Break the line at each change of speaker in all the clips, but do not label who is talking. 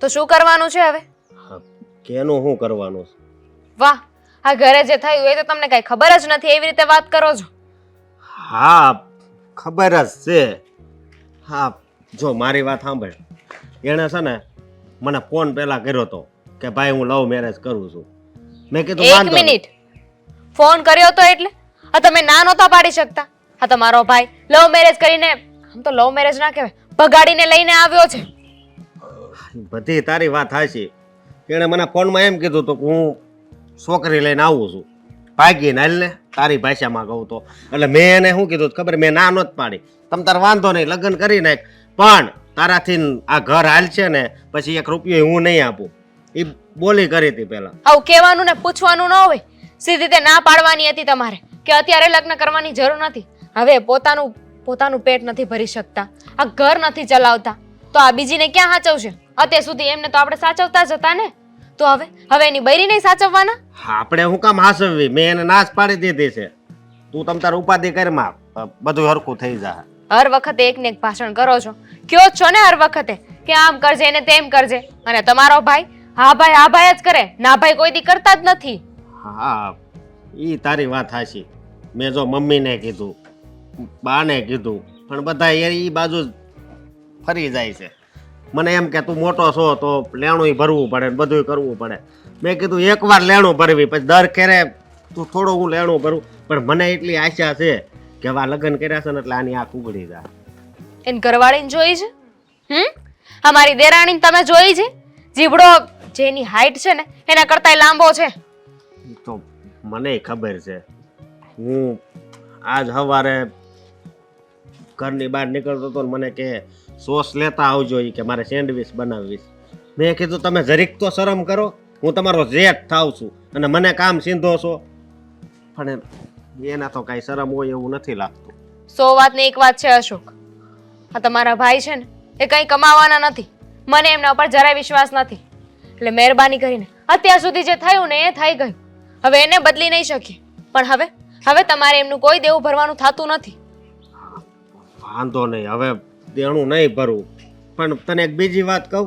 તો શું કરવાનું છે હવે?
કેનું શું કરવાનું છે?
વાહ, આ ઘરે જે થયું એ તો તમને કઈ ખબર જ નથી, એવી રીતે વાત કરો છો.
હા ખબર જ છે. હા જો મારી વાત સાંભળ, એણે છે ને મને ફોન પહેલા કર્યો હતો કે ભાઈ હું લવ મેરેજ કરું છું. મેં કીધું
એક
વાંધો નહીં.
મિનિટ, ફોન કર્યો તો એટલે આ તમે ના નહોતા પાડી શકતા? આ તમારો ભાઈ લવ મેરેજ કરીને, આમ તો લવ મેરેજ ના કહેવાય, ભગાડીને લઈને આવ્યો છે.
બધી તારી વાત હાચી. એણે મને ફોનમાં એમ કીધું હતું કે હું છોકરી લઈને આવું છું, ભાગીને હાલ ને, તારી ભાષામાં કહું તો. એટલે મેં એને શું કીધું ખબર, મેં ના નહોત પાડી, તમ તાર વાંધો નહીં લગ્ન કરી નાખ, પણ તારાથી આ ઘર હાલ છે ને પછી 1 રૂપિયો હું નહીં આપું. એ બોલી કરી હતી પેલા.
આવું કહેવાનું ને પૂછવાનું ન હોય, સીધી રીતે ના પાડવાની હતી તમારે કે અત્યારે લગ્ન કરવાની જરૂર નથી. હવે પોતાનું પેટ નથી ભરી શકતા, આ ઘર નથી ચલાવતા, તો આ બીજીને ક્યાં સાચવશે? અત્યાર સુધી એમને તો આપણે સાચવતા જ હતા ને, તો હવે એની બૈરી નહીં સાચવવાના?
આપણે હું કામ હાસવવી? મેં એને નાશ પાડી દીધી છે. તું તમ તાર ઉપાધિ કરમાં, બધું હરખું થઈ જાય.
હર વખતે એકને એક ભાષણ કરો છો, કયો છો ને હર વખતે કે આમ કરજે ને તેમ કરજે, અને તમારો ભાઈ હા ભાઈ જ કરે, ના ભાઈ કોઈ દી કરતા જ નથી.
હા ઈ તારી વાત હાચી. મેં જો મમ્મીને કીધું, બાને કીધું, પણ બધા ઈ બાજુ જ ફરી જાય છે. મને એમ કે તું મોટો છો તો લેણું ભરવું પડે ને બધું કરવું પડે. મેં કીધું એકવાર લેણું ભરવી, પછી દર ખેરે તું થોડું હું લેણું ભરવું, પણ મને એટલી આશા છે કે હવે લગ્ન કર્યા છે ને એટલે આની આંખ ઉઘડી જાય.
એને ઘરવાળીને જોઈ છે? અમારી દેરાણીને તમે જોઈ છે? જીબડો જેની હાઈટ છે ને એના કરતાંય લાંબો છે.
ઈ તો મને ખબર છે. હું આજ સવારે ઘરની બહાર નીકળતો હતો ને મને કે સોસ લેતા આવજો, ઈ કે મારે સેન્ડવિચ બનાવવી. મેં કીધું તમે જરીક તો શરમ કરો, હું તમારો જેઠ થાવ છું અને મને કામ સીંધો છો. પણ એના તો કાંઈ શરમ હોય એવું નથી લાગતું.
100 વાતની એક વાત છે અશોક, આ તમારા ભાઈ છે ને એ કંઈ કમાવાના નથી, મને એમના ઉપર જરાય વિશ્વાસ નથી. એટલે મહેરબાની કરીને અત્યાર સુધી જે થયું ને એ થઈ ગયું, હવે એને બદલી નહીં શકીએ. પણ હવે તમારે એમનું કોઈ દેવું ભરવાનું થતું નથી.
વાંધો નહીં, હવે દેણું નહીં ભરવું. પણ તને એક બીજી વાત કહું,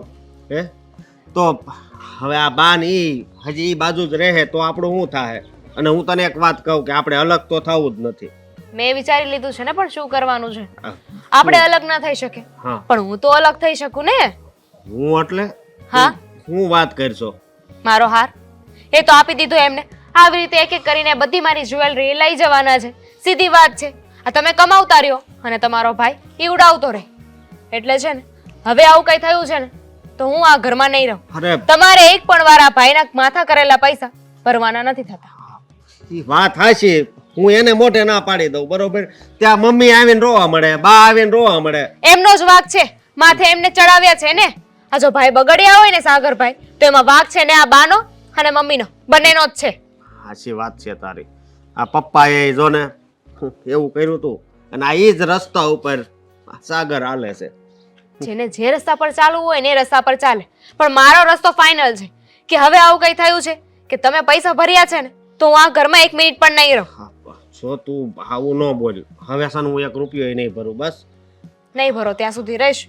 તો હવે આ બાન ઈ હજી ઈ બાજુ જ રહે તો આપણું શું થાય? અને હું તને એક વાત કહું કે આપણે અલગ તો થવું જ નથી.
મેં વિચારી લીધું છે ને, પણ શું કરવાનું છે? આપણે અલગ ના થઈ શકે, પણ હું તો અલગ થઈ શકું ને.
હું એટલે?
હા,
હું વાત કરશો?
મારો હાર એ તો આપી દીધો એમને. આવી રીતે એક એક કરીને બધી મારી જ્વેલરી લઈ જવાના છે, સીધી વાત છે. આ તમે કમાવતા રહ્યો અને તમારો ભાઈ એ ઉડાવતો રહે. એટલે છે ને હવે આવું કઈ થયું છે ને તો હું આ ઘરમાં નહીં રહું. તમારે એક પણ વાર આ ભાઈના માથા કરેલા પૈસા ભરવાના નથી થતા.
વાત હાચી, હું એને મોઢે ના પાડી દઉં, બરોબર? ત્યાં મમ્મી આવીને રોવા મળે, બા આવીને રોવા મળે.
એમનો જ વાંક છે, માથે એમને ચડાવ્યા છે ને. આ જો ભાઈ બગડ્યા હોય ને સાગરભાઈ, તો એમાં વાંક છે ને આ બાનો અને મમ્મીનો, બંનેનો જ છે.
સાચી વાત છે તારી. આ પપ્પાએ જો ને એવું કર્યું હતું અને આ ઈ જ રસ્તા ઉપર સાગર હાલે છે.
જેને જે રસ્તા પર ચાલવું હોય ને એ રસ્તા પર ચાલે, પણ મારો રસ્તો ફાઇનલ છે કે હવે આવું કઈ થયું છે કે તમે પૈસા ભર્યા છે ને તો હું આ ઘરમાં 1 મિનિટ પણ નહીં રહું.
જો તું આવું ન બોલ, હવે સન હું 1 રૂપિયો નહીં ભરું, બસ.
નહીં ભરો ત્યાં સુધી રહીશ.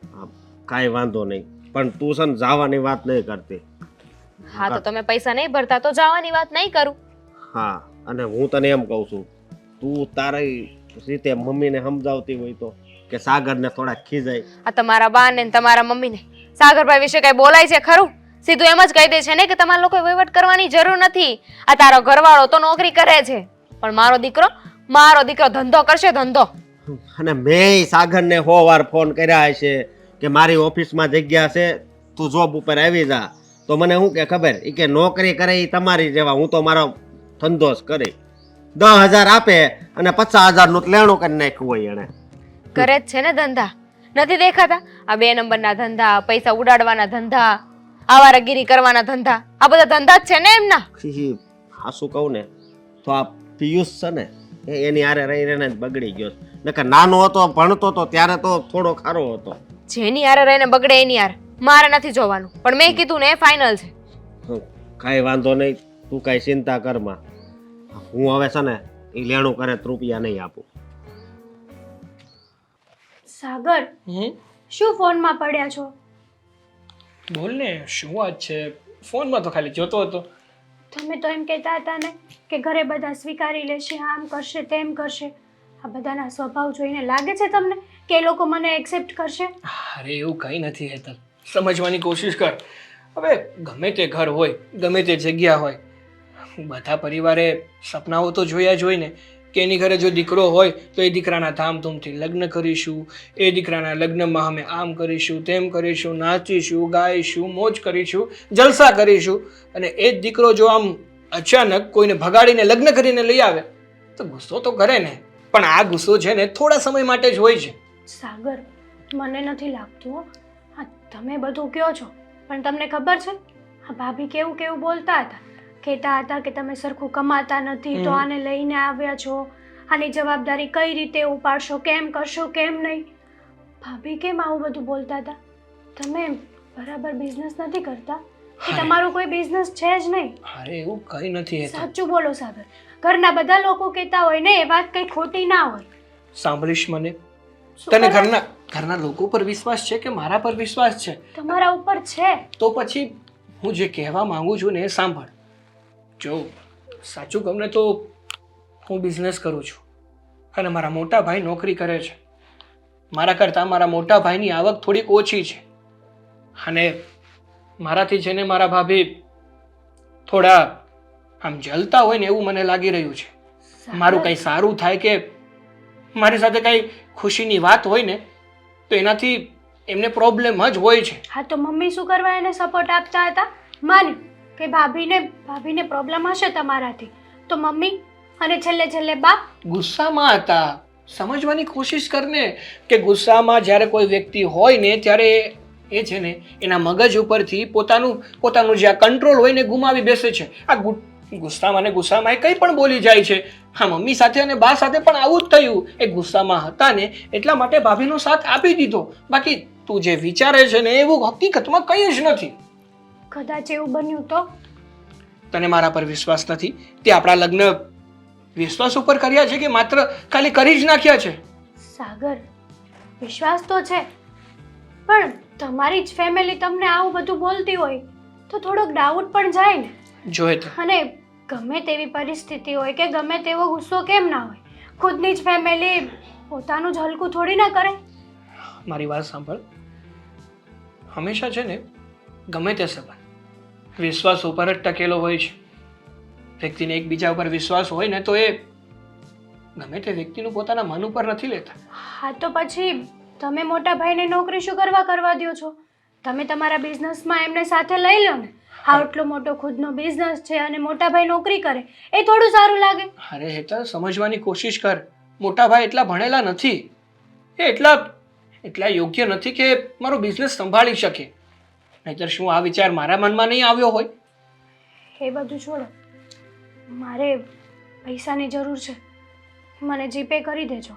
કાંઈ વાંધો નહીં, પણ તું સન જવાની વાત નહીં કરતી.
હા તો તમે પૈસા નહીં ભરતા તો જવાની વાત નહીં કરું.
હા, અને હું તને એમ કહું છું, તું તારી રીતે મમ્મીને સમજાવતી હોય તો કે સાગરને થોડા ખીજાય.
આ તમારા બા ને તમારા મમ્મીને સાગરભાઈ વિશે કઈ બોલાય છે ખરું? સીધું એમ જ કહી દે છે ને કે તમારા લોકોએ વહીવટ કરવાની જરૂર નથી. આ તારો ઘરવાળો તો નોકરી કરે છે, પણ મારો દીકરો ધંધો કરશે, ધંધો.
અને મેં સાગરને 100 વાર ફોન કર્યા હશે કે મારી ઓફિસમાં જગ્યા છે, તું જોબ ઉપર આવી જા. તો મને શું કે ખબર, એ કે નોકરી કરે એ તમારી જેવા, હું તો મારો ધંધો જ કરી. 10,000 આપે અને 50,000 નું લેણું કરી નાખ્યું હોય એને.
કરે જ છે ને ધંધા, નથી દેખાતા? આ 2 નંબરના ધંધા, પૈસા ઉડાડવાના ધંધા, આવારાગીરી કરવાના ધંધા, આ બધા ધંધા જ છે ને એમના.
હાસું કહું ને તો આ પિયુષ છે ને એની હારે રહી રહીને જ બગડી ગયો. નકર નાનો હતો, ભણતો હતો ત્યારે તો થોડો ખારો હતો.
જેની હારે રહીને બગડે એની હારે મારે નથી જોવાનું, પણ મેં કીધું ને એ ફાઇનલ છે.
કાંઈ વાંધો નહીં, તું કાંઈ ચિંતા કરમાં. હું હવે છે ને એ લેણું કરે રૂપિયા નહીં આપું.
સાગર, શું ફોનમાં પડ્યા છો? બોલ ને શું વાત છે? ફોનમાં તો ખાલી જોતો હતો.
તમે તો એમ કહેતા હતા ને કે ઘરે બધા સ્વીકારી લેશે, આમ કરશે તેમ કરશે. આ બધાના સ્વભાવ જોઈને લાગે છે તમને કે એ લોકો મને એક્સેપ્ટ કરશે?
અરે એવું કંઈ નથી હેતલ, સમજવાની કોશિશ કર. હવે ગમે તે ઘર હોય, ગમે તે જગ્યા હોય, બધા પરિવારે સપનાઓ તો જોયા જ હોય ને કે એની ઘરે જો દીકરો હોય તો એ દીકરાના ધામધૂમથી લગ્ન કરીશું, એ દીકરાના લગ્નમાં અમે આમ કરીશું, તેમ કરીશું, નાચીશું, ગાઈશું, મોજ કરીશું, જલસા કરીશું. અને એ જ દીકરો જો આમ અચાનક કોઈને ભગાડીને લગ્ન કરીને લઈ આવે તો ગુસ્સો તો કરે ને, પણ આ ગુસ્સો છે ને થોડા સમય માટે જ હોય છે.
સાગર, મને નથી લાગતું હો. હા, તમે બધું કહો છો, પણ તમને ખબર છે આ ભાભી કેવું કેવું બોલતા હતા? કહેતા હતા કે તમે સરખું કમાતા નથી તો આને લઈને આવ્યા છો, આની જવાબદારી કઈ રીતે ઉપાડશો, કેમ કરશો, કેમ નહીં. ભાભી કેમ આવું બધું બોલતા હતા? તમે બરાબર બિઝનેસ નથી કરતા કે તમારો કોઈ બિઝનેસ છે જ નહીં?
અરે એવું કંઈ નથી હેતલ.
સાચું બોલો સાગર, ઘરના બધા લોકો કહેતા હોય ને એ વાત કઈ ખોટી ના હોય.
સાંભળીશ મને?
શું
તને
કરે?
ઘરના લોકો પર વિશ્વાસ છે કે મારા પર વિશ્વાસ છે?
તમારા ઉપર છે.
તો પછી હું જે કહેવા માંગુ છું ને એ સાંભળ. જો સાચું કહું ને તો હું બિઝનેસ કરું છું અને મારા મોટા ભાઈ નોકરી કરે છે. મારા કરતાં મારા મોટા ભાઈની આવક થોડીક ઓછી છે અને મારાથી છે ને મારા ભાભી થોડા આમ જલતા હોય ને એવું મને લાગી રહ્યું છે. મારું કંઈ સારું થાય કે મારી સાથે કંઈ ખુશીની વાત હોય ને તો એનાથી એમને પ્રોબ્લેમ જ હોય છે.
હા, તો મમ્મી શું કરવા એને સપોર્ટ આપતા હતા? માન્યું કે ભાભીને પ્રોબ્લેમ હશે તમારાથી, તો મમ્મી અને છેલ્લે બા
ગુસ્સામાં હતા. સમજવાની કોશિશ કરને કે ગુસ્સામાં જ્યારે કોઈ વ્યક્તિ હોય ને ત્યારે એ છે ને એના મગજ ઉપરથી પોતાનું જે આ કંટ્રોલ હોય ને ગુમાવી બેસે છે. આ ગુસ્સામાં એ કંઈ પણ બોલી જાય છે. હા, મમ્મી સાથે અને બા સાથે પણ આવું જ થયું. એ ગુસ્સામાં હતા ને એટલા માટે ભાભીનો સાથ આપી દીધો. બાકી તું જે વિચારે છે ને એવું હકીકતમાં કંઈ જ નથી.
કદાચ એવું બન્યું તો?
તને મારા પર વિશ્વાસ નથી? તે આપણા લગ્ન વિશ્વાસ ઉપર કર્યા છે કે માત્ર ખાલી કરી જ નાખ્યા છે?
સાગર, વિશ્વાસ તો છે, પણ તમારી જ ફેમિલી તમને આવું બધું બોલતી હોય તો થોડોક ડાઉટ પણ જાય ને.
જોએ તો
અને ગમે તેવી પરિસ્થિતિ હોય કે ગમે તેવો ગુસ્સો કેમ ના હોય, ખુદની જ ફેમિલી પોતાનું જ હલકું થોડી ના કરે.
મારી વાત સાંભળ. હંમેશા છે ને ગમે તે સંબંધ વિશ્વાસ ઉપર જ ટકેલો હોય છે. વ્યક્તિને એકબીજા ઉપર વિશ્વાસ હોય ને તો એ ગમે તે વ્યક્તિનું પોતાના મન ઉપર નથી લેતા.
હા, તો પછી તમે મોટા ભાઈને નોકરી શું કરવા દો છો? તમે તમારા બિઝનેસમાં એમને સાથે લઈ લો ને. આટલો મોટો ખુદનો બિઝનેસ છે અને મોટા ભાઈ નોકરી કરે, એ થોડું સારું લાગે?
અરે હેતલ, સમજવાની કોશિશ કર. મોટા ભાઈ એટલા ભણેલા નથી, એ એટલા યોગ્ય નથી કે મારો બિઝનેસ સંભાળી શકે. નહીંતર શું આ વિચાર મારા મનમાં નહીં આવ્યો હોય?
એ બધું છોડો, મારે પૈસાની જરૂર છે, મને જીપે કરી દેજો.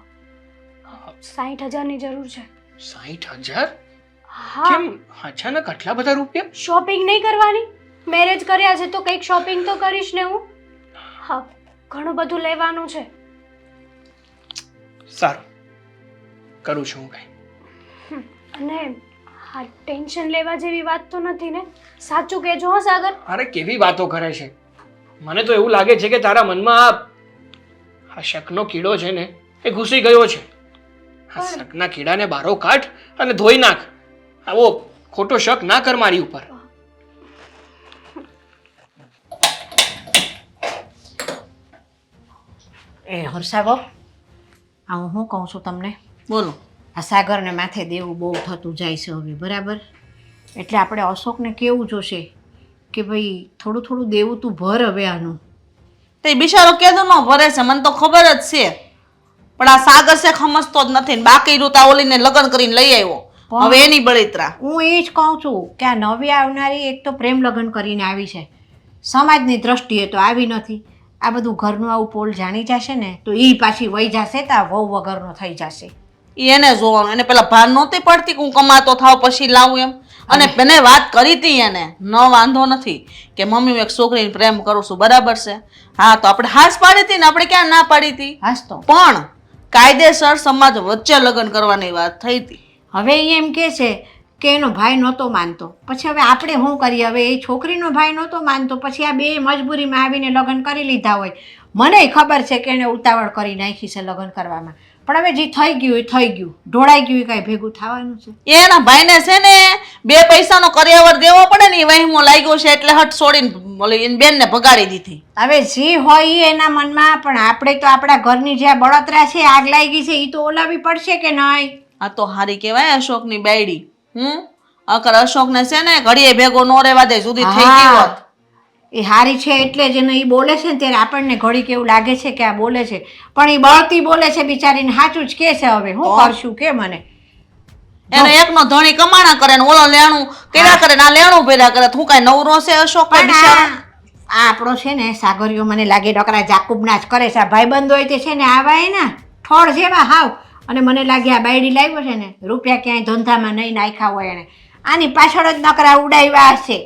60,000ની જરૂર છે.
60,000?
હા.
કેમ અચાનક આટલા બધા રૂપિયા?
શોપિંગ નહીં કરવાની? મેરેજ કર્યા છે તો કંઈક શોપિંગ તો કરીશ ને હું. હા, ઘણું બધું લેવાનું છે.
સારું, કરું છું હું કંઈ.
અને હા, ટેન્શન લેવા જેવી વાત તો નથી ને? સાચું કહેજો હો સાગર.
અરે કેવી વાતો કરે છે! મને તો એવું લાગે છે કે તારા મનમાં આ શકનો કીડો છે ને એ ઘૂસી ગયો છે. આ શકના કીડાને બારો કાઢ અને ધોઈ નાખ. આવો ખોટો શક ના કર મારી ઉપર.
એ હર્ષાબો, આ હું કહું છું તમને, બોલો. આ સાગરને માથે દેવું બહુ થતું જાય છે હવે, બરાબર? એટલે આપણે અશોકને કેવું જોશે કે ભાઈ થોડું દેવું તું ભર હવે આનું.
તે બિચારો કેદો ન ભરે છે, મને તો ખબર જ છે, પણ આ સાગર છે સમજતો જ નથી. બાકી રૂતા ઓલીને લગ્ન કરીને લઈ આવ્યો, હવે એની બળિત્રા.
હું એ જ કહું છું કે આ નવી આવનારી એક તો પ્રેમ લગ્ન કરીને આવી છે, સમાજની દ્રષ્ટિએ તો આવી નથી. આ બધું ઘરનું આવું પોલ જાણી જશે ને તો એ પાછી વહી જશે તો આ વહુ વગરનો થઈ જશે.
એને જોવાનું, એને પેલા ભાન નહોતી પડતી કે હું કમાતો થાવ પછી લાવું એમ. અને મેં વાત કરી હતી એને, ન વાંધો નથી કે મમ્મી હું એક છોકરીને પ્રેમ કરું છું, બરાબર છે. હા, તો આપણે હાસ પાડી હતી ને, આપણે ક્યાં ના પાડી હતી?
હાસ તો
પણ કાયદેસર સમાજ વચ્ચે લગ્ન કરવાની વાત થઈ હતી.
હવે એ એમ કે છે કે એનો ભાઈ નહોતો માનતો. પછી હવે આપણે શું કરીએ? હવે એ છોકરીનો ભાઈ નહોતો માનતો, પછી આ બે મજબૂરીમાં આવીને લગ્ન કરી લીધા હોય. મને ખબર છે કે એને ઉતાવળ કરી નાખી છે લગ્ન કરવામાં, પણ હવે જે થઈ ગયું એ થઈ ગયું. ઢોળાઈ ગયું એ કાંઈ ભેગું થવાનું છે?
એના ભાઈને છે ને 2 પૈસાનો કરિયાવર દેવો પડે ને, એ વહેમો લાગ્યો છે એટલે હટ છોડીને ઓલી એની બેનને ભગાડી દીધી.
હવે જે હોય એ એના મનમાં, પણ આપણે તો આપણા ઘરની જે આ બળતરા છે, આગ લાગી છે, એ તો ઓલાવી પડશે કે નહીં?
આ તો હારી કહેવાય અશોકની બાયડી. અકર અશોકને છે ને ઘડીએ ભેગો નો રહેવા દે, સુધી થઈ ગઈ હોત.
એ હારી છે એટલે જ એને એ બોલે છે ને ત્યારે આપણને ઘડીક એવું લાગે છે કે આ બોલે છે, પણ એ બળતી બોલે છે બિચારીને. સાચું જ કે છે. હવે હું કરશું કે મને
એને એકનો ધણી કમાણા કરે ને ઓલો લેણું કર્યા કરે ને આ લેણું ભર્યા કરે. તું કાંઈ નવરો છે અશોક?
પણ આ આપણો છે ને સાગરીઓ મને લાગે ડકરા જાકુબના જ કરે છે. આ ભાઈબંધો હોય તે છે ને આવા એના ઠોળ જેવા હાવ. અને મને લાગે આ બાયડી લાવ્યો છે ને રૂપિયા ક્યાંય ધંધામાં નહીં નાખ્યા હોય એને, આની પાછળ જ નકરા ઉડાવ્યા હશે.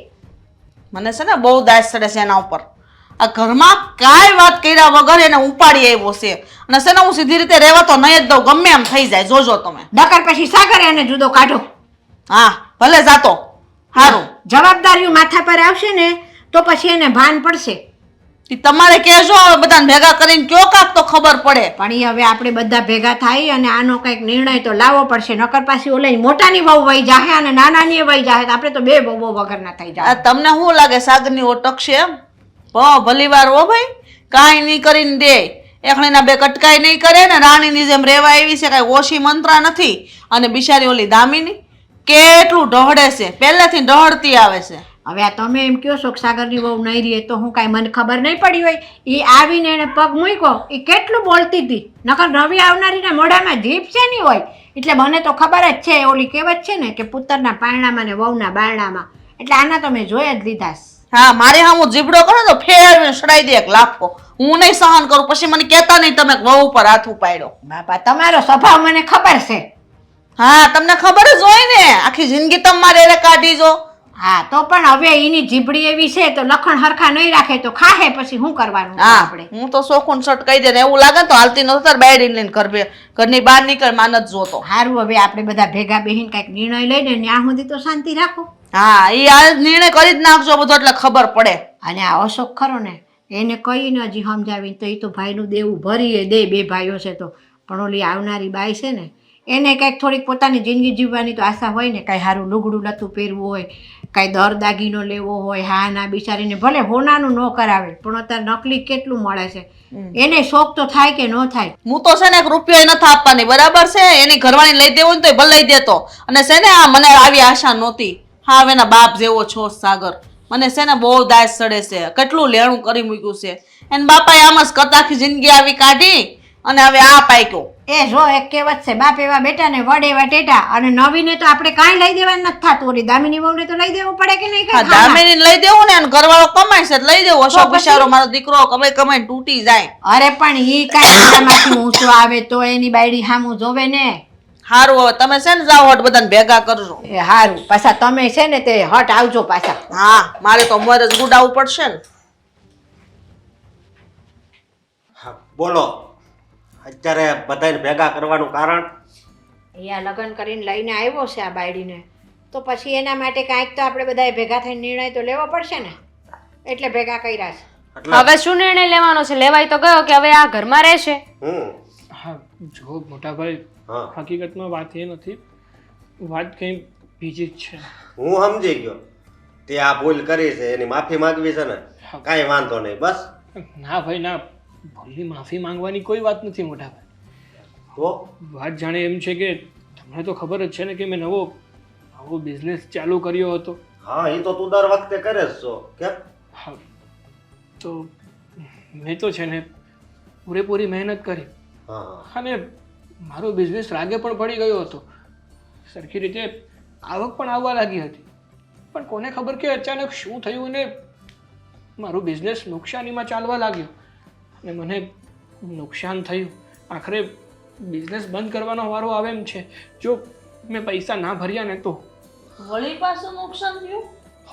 મને છે ને બહુ દાસ ચડે છે એના ઉપર. આ ઘરમાં કાંઈ વાત કર્યા વગર એને ઉપાડી આવ્યો છે. અને છે ને હું સીધી રીતે રહેવા તો નહીં જ દઉં, ગમે એમ થઈ જાય. જોજો તમે.
ડકર પછી સાગર એને જુદો કાઢો.
હા ભલે જાતો. સારું,
જવાબદારીઓ માથા પર આવશે ને તો પછી એને ભાન પડશે.
ઈ તમારે કહેજો હવે બધાને ભેગા કરીને કયો કાક તો ખબર પડે.
પણ એ હવે આપણે બધા ભેગા થઈ અને આનો કંઈક નિર્ણય તો લાવવો પડશે. નકર પાછી ઓલા મોટાની વહુ વહી જાહે અને નાનાની વહી જાહે, આપણે તો બે વહુ વગરના થઈ જાય.
આ તમને શું લાગે સાગરની ઓટક છે એમ? ભલી વાર હો ભાઈ, કાંઈ નહીં કરીને દે. એકણીના 2 કટકાઈ નહીં કરે ને રાણીની જેમ રેવા આવી છે, કાંઈ ઓછી મંત્રા નથી. અને બિચારી ઓલી દામિની કેટલું ઢહડે છે, પહેલેથી ઢહડતી આવે છે.
હવે આ તમે એમ કહો છો કે સાગરની વહુ નહીં રહે તો હું કાંઈ મને ખબર નહીં પડી હોય? એ આવીને એને પગ મૂક્યો, એ કેટલું બોલતી હતી. નકર નવી આવનારીના મોઢામાં જીભ છે નહીં હોય. એટલે મને તો ખબર જ છે, ઓલી કહેવત છે ને કે પુત્રના પારણામાં ને વહુના બારણામાં. એટલે આના તો મેં જોઈ જ લીધા.
હા, મારે હું જીબડો કરે તો ફેરવીને સડાઈ દે 1 લાફો. હું નહીં સહન કરું. પછી મને કહેતા નહીં તમે વહુ ઉપર હાથ ઉપાડ્યો.
બાપા તમારો સ્વભાવ મને ખબર છે.
હા, તમને ખબર જ હોય ને, આખી જિંદગી તમારે એને કાઢી જો.
હા તો પણ હવે એની જીભડી એવી છે તો લખણ હરખા નહીં રાખે તો ખાહે, પછી શું કરવાનું
હા,
આપણે?
હું તો શોખુન શર્ટ કહી દે ને એવું લાગે ને તો હાલતી નતો તાર બાયડીને લઈને ઘરની બહાર નીકળ માન જ જોતો.
સારું, હવે આપણે બધા ભેગા બેહીને કંઈક નિર્ણય લઈને ત્યાં સુધી તો શાંતિ રાખો.
હા, એ આ નિર્ણય કરી જ નાખજો બધો, એટલે ખબર પડે.
અને આ અશોક ખરો ને એને કહીને હજી સમજાવીને તો એ તો ભાઈનું દેવું ભરીએ દે, 2 ભાઈઓ છે તો. પણ ઓલી આવનારી બાઈ છે ને એને કંઈક થોડીક પોતાની જિંદગી જીવવાની તો આશા હોય ને. કાંઈ સારું લુગડું લતું પહેરવું હોય, કાંઈ દર દાગીનો લેવો હોય. હા ના બિચારીને ભલે હોનાનું ન કરાવે પણ અત્યારે નકલી કેટલું મળે છે. એને શોખ તો થાય કે ન થાય?
હું તો છે ને 1 રૂપિયો નથી આપવાની, બરાબર છે? એની ઘરવાળી લઈ દેવું ને તો ભલે લઈ દેતો. અને છે ને આ મને આવી આશા નહોતી. હા, એના બાપ જેવો છો સાગર. મને છે ને બહુ દાસ ચડે છે, કેટલું લેણું કરી મૂક્યું છે. એને બાપાએ આમ જ કતાખી જિંદગી આવી કાઢી અને હવે આ પાક્યો.
એ જો એક કહેવત છે, બાપ એવા બેટા ને વડ એવા ટેટા. અને નવીને તો આપણે કાંઈ લઈ દેવાનું નથી થતું. ઓલી દામિની વહુને તો લઈ દેવું પડે કે નહીં?
હા, દામિની લઈ દેવું ને, ઘરવાળો કમાય છે લઈ દેવું. અશોક બિચારો મારો દીકરો કમાઈને તૂટી જાય.
અરે પણ ઈ કાંઈ માંથી ઊંચો આવે તો એની બાયડી સામું જોવે ને.
હારું, હવે તમે છે ને જાઓ હટ બધાને ભેગા કરજો.
એ હારું, પાછા તમે છે ને તે હટ આવજો પાછા.
હા, મારે તો મોર જ ગુડાવવું પડશે ને.
હા બોલો, અત્યારે બધાને ભેગા કરવાનું કારણ?
અહીંયા લગ્ન કરીને લઈને આવ્યો છે આ બાયડીને, તો પછી એના માટે કાંઈક તો આપણે બધાએ ભેગા થઈને નિર્ણય તો લેવો પડશે ને. એટલે ભેગા કર્યા છે.
એટલે
હવે શું નિર્ણય લેવાનો છે? લેવાય તો ગયો કે હવે આ ઘરમાં રહેશે.
હા જો મોટા ભાઈ,
હા.
હકીકતમાં વાત એ નથી, વાત કંઈ બીજી જ છે.
હું સમજી ગયો. તે આ ભૂલ કરી છે એની માફી માંગવી છે ને, કાંઈ વાંધો નહીં. બસ
ના ભાઈ ના, ભૂલની માફી માંગવાની કોઈ વાત નથી મોટા ભાઈ.
તો
વાત જાણે એમ છે કે તમને તો ખબર જ છે ને કે મેં નવો બિઝનેસ ચાલુ કર્યો હતો.
હા, એ તો તું દર વખતે કરે જ છો. કેમ?
હા, તો મેં તો છે ને પૂરેપૂરી મહેનત કરી
હા,
અને મારો બિઝનેસ રાગે પણ પડી ગયો હતો. સરખી રીતે આવક પણ આવવા લાગી હતી. પણ કોને ખબર કે અચાનક શું થયું ને મારું બિઝનેસ નુકસાનીમાં ચાલવા લાગ્યો અને મને નુકસાન થયું. આખરે બિઝનેસ બંધ કરવાનો વારો આવે એમ છે. જો મેં પૈસા ના ભર્યા ને તો.
વળી પાછું નુકસાન થયું?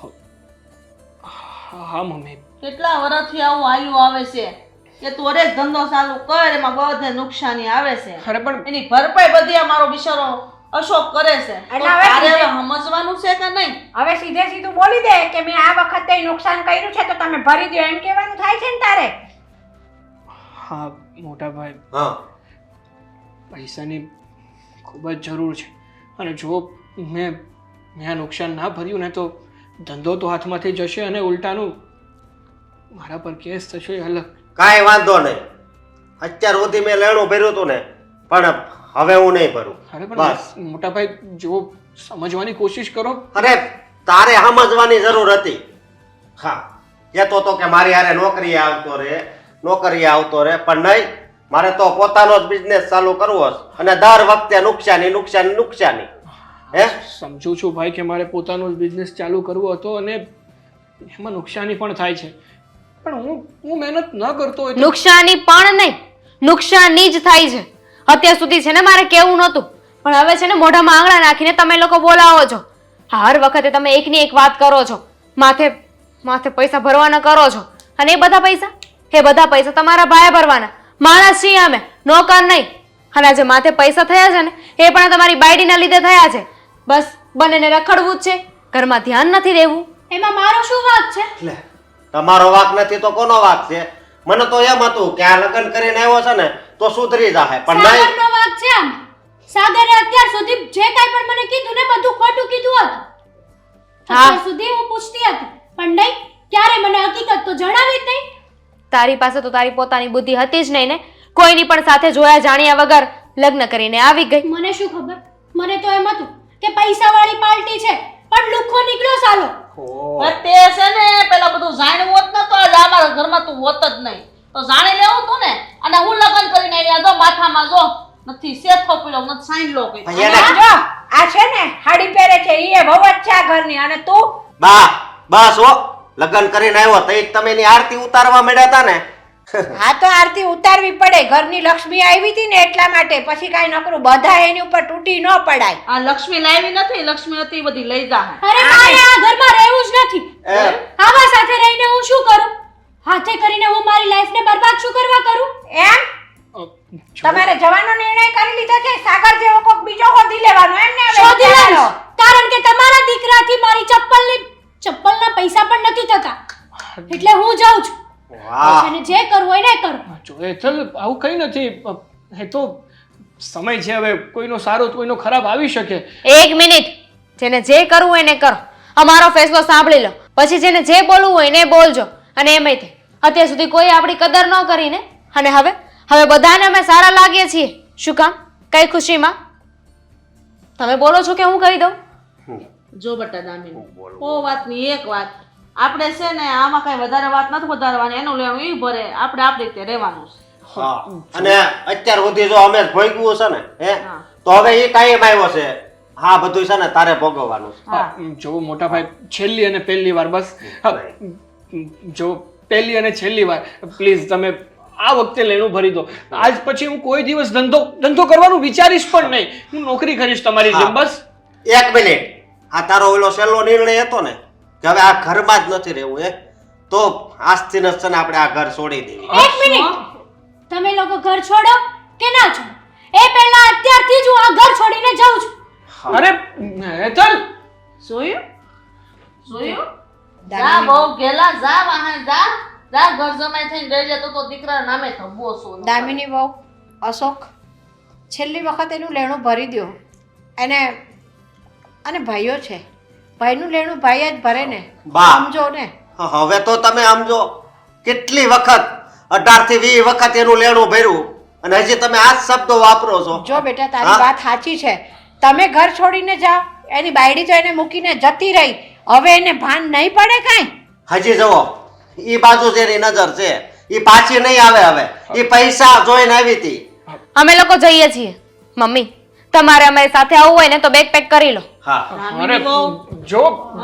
હા મમ્મી,
કેટલા વર્ષથી આવું આયુ આવે છે કે તું ધંધો ચાલુ કર, એમાં બધે નુકસાની આવે છે.
અરે પણ
એની ભરપાઈ બધી આ મારો બિચારો અશોક કરે છે તો
એટલે હવે
તારે
સીધે-
હવે સમજવાનું છે કે નહીં?
હવે સીધે સીધું બોલી દે કે મેં આ વખતે નુકસાન કર્યું છે તો તમે ભરી દો એમ કહેવાનું થાય છે ને તારે.
હા મોટા ભાઈ,
હા
પૈસાની ખૂબ જ જરૂર છે અને જો મેં આ નુકસાન ના ભર્યું ને તો ધંધો તો હાથમાંથી જશે અને ઉલટાનું મારા પર કેસ થશે એ અલગ.
કાંઈ વાંધો નહીં. અત્યાર સુધી મેં લેણું ભર્યું હતું ને, પણ હવે હું નહીં ભરું.
અરે
બસ.
પણ મોટા ભાઈ જો સમજવાની કોશિશ કરો.
અરે તારે સમજવાની જરૂર હતી. હા, કહેતો તો કે મારી હારે નોકરીએ આવતો રહે, પણ નહીં. મારે તો પોતાનો જ બિઝનેસ ચાલુ કરવો છે અને દર વખતે નુકસાની. હે
સમજુ છું ભાઈ કે મારે પોતાનો જ બિઝનેસ ચાલુ કરવો હતો અને એમાં નુકસાની પણ થાય છે, પણ હું મહેનત ન કરતો હોય તો
નુકસાની પણ નહીં, નુકસાની જ થાય છે. અત્યાર સુધી છે ને મારે કેવું નહોતું, પણ હવે છે ને મોઢામાં આંગળા નાખીને તમે લોકો બોલાવો છો. હર વખતે તમે એકની એક વાત કરો છો, માથે પૈસા ભરવાના કરો છો, અને એ બધા પૈસા તમારા ભાઈએ ભરવાના. માણસ છીએ અમે, નોકર નહીં. અને આજે માથે પૈસા થયા છે ને એ પણ તમારી બાયડીના લીધે થયા છે. બસ બંનેને રખડવું જ છે, ઘરમાં ધ્યાન નથી દેવું.
એમાં મારો શું વાંક છે?
લે, તમારો વાંક નથી તો કોનો વાંક છે? મને તો એમ હતું કે આ લગ્ન કરીને આવ્યો છે ને તો સુધરી જાય, પણ નહીં.
સાગરનો વાંક છે આમ. સાગરે અત્યાર સુધી જે કાંઈ પણ મને કીધું ને બધું ખોટું કીધું હતું. અત્યાર સુધી હું પૂછતી હતી, પણ નહીં, ક્યારે મને હકીકત તો જણાવી જ નહીં.
તારી પાસે તો તારી પોતાની બુદ્ધિ હતી જ નહીં ને. કોઈની પણ સાથે જોયા જાણ્યા વગર લગ્ન કરીને આવી ગઈ.
મને શું ખબર? મને તો એમ હતું કે પૈસાવાળી પાર્ટી છે, પણ લુખ્ખો નીકળ્યો સાલો.
હવે તે છે ને પેલા બધું જાણ્યું હોત ને તો આજ અમારા ઘરમાં તું હોત જ નહીં. તો જાણી લેવું તું ને. અને હું લગ્ન કરીને આવી આ જો માથામાં જો નથી સેથો પડ્યો નથી સાઈન લો કઈ.
એને
અને જો આ છે ને હાડી પહેરે છે એ વહુ જ છે આ ઘરની, અને તું
બસ હો, લગ્ન કરીને આવ્યો તો એક તમે એની આરતી ઉતારવા માંડ્યા હતા ને.
હા તો આરતી ઉતારવી પડે. ઘરની લક્ષ્મી આવી હતી ને એટલા માટે. પછી કાંઈ નકરું બધા એની ઉપર તૂટી ન પડાય.
આ લક્ષ્મી લાવી નથી, લક્ષ્મી હતી બધી લઈ જા.
અરે મારે આ ઘરમાં રહેવું જ નથી.
એ,
આવા સાથે રહીને હું શું કરું? હાથે કરીને હું મારી લાઈફને બરબાદ શું કરવા કરું?
એમ તમારે જવાનો નિર્ણય કરી લીધો છે? સાગર જેવો કોક બીજો હોધી લેવાનો એમ ને? હવે
શોધી
વિચારો.
લઈશ. કારણ કે તમારા દીકરાથી મારી ચપ્પલના પૈસા પણ નથી થતા. એટલે હું જાઉં છું.
વાહ.
અને જે કરવું હોય ને કરો.
જો હેતલ આવું કંઈ નથી. એ તો સમય છે, હવે કોઈનો સારો તો કોઈનો ખરાબ આવી શકે.
એક મિનિટ, જેને જે કરવું હોય ને કરો. અમારો ફેસલો સાંભળી લો, પછી જેને જે બોલવું હોય ને બોલજો. અને એમય તે અત્યાર સુધી કોઈ આપણી કદર ન કરીને, અને હવે બધાને અમે સારા લાગીએ છીએ. શું કામ? કઈ ખુશીમાં? તમે બોલો છો કે હું કહી દઉં?
જો બટા દામિની, ઓ વાતની એક વાત, આપણે છે ને આમાં કઈ વધારે વાત નથી વધારવાની. એનું લેવાનું ઈ ભરે, આપણે આપણી રીતે રહેવાનું છે.
હા. અને અત્યાર સુધી જો અમે ભોગવ્યું છે ને, હે,
હા.
તો હવે એ કાયમ આવ્યો છે. હા, બધું છે ને તારે ભોગવવાનું છે.
હા.
જો મોટા ભાઈ, છેલ્લી અને પહેલી વાર બસ. હા, જો પહેલી અને છેલ્લી વાર પ્લીઝ તમે આ વખતે લેણું ભરી દો. આજ પછી હું કોઈ દિવસ ધંધો કરવાનું વિચારીશ પણ નહીં. હું નોકરી કરીશ તમારી જેમ. બસ
એક મિનિટ, આ તારો ઓલો સહેલો નિર્ણય હતો ને કે હવે આ ઘરમાં જ નથી રહેવું, તો આજથી ન છે ને આપણે આ ઘર છોડી દેવી.
એક મિનિટ, તમે લોકો ઘર છોડો કે ના છોડો, એ પહેલા અત્યારથી જ હું આ ઘર છોડીને જાઉં છું.
અરે હેતલ,
જોયું જા બહુ ગેલા, જા વાહે જા ઘર જમાઈ થઈને રહી જતો તો દીકરા નામે થબો છો.
દામિની વહુ, અશોક, છેલ્લી વખત એનું લેણું ભરી દો. અને ભાઈઓ છે, ભાઈનું લેણું ભાઈ જ ભરે ને.
બા.
સમજો ને.
હવે તો તમે સમજો, કેટલી વખત 18 થી 20 વખત એનું લેણું ભર્યું અને હજી તમે આ જ શબ્દો વાપરો છો.
જો બેટા તારી
હા?
વાત સાચી છે. તમે ઘર છોડીને જાઓ, એની બાયડી તો એને મૂકીને જતી રહી. હવે એને ભાન નહીં પડે કાંઈ?
હજી જુઓ, ઈ બાજુ જેની નજર છે ઈ પાછી નહીં આવે. હવે ઈ પૈસા જોઈને આવી હતી.
અમે લોકો જઈએ છીએ. મમ્મી, તમારે અમારી સાથે આવવું હોય ને તો બેગ પેક કરી લો.
હા,
અરે જો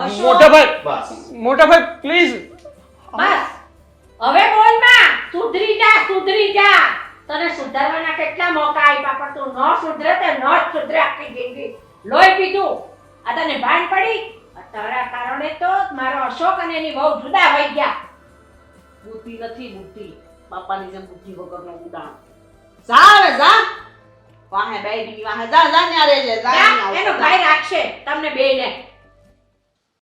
મોટા ભાઈ પ્લીઝ.
બસ હવે બોલ માં, સુધરી જા. તને સુધારવાના કેટલા મોકા આપ્યા, પણ તું ન સુધરે તે ન જ સુધરે આખી જિંદગી. લોહી પીધું. આ તને ભાન પડી? આ તારા કારણે તો મારો અશોક અને એની બહુ જુદા થઈ ગયા.
બુદ્ધિ નથી, બુદ્ધિ બાપાની જેમ બુદ્ધિ વગરનો ઉડાણ. જા હવે જા. વાહે બેડી વાહે જા જા ન્યા રહેજે જા ન્યા
એનો ભાઈ રાખશે તમને બેયને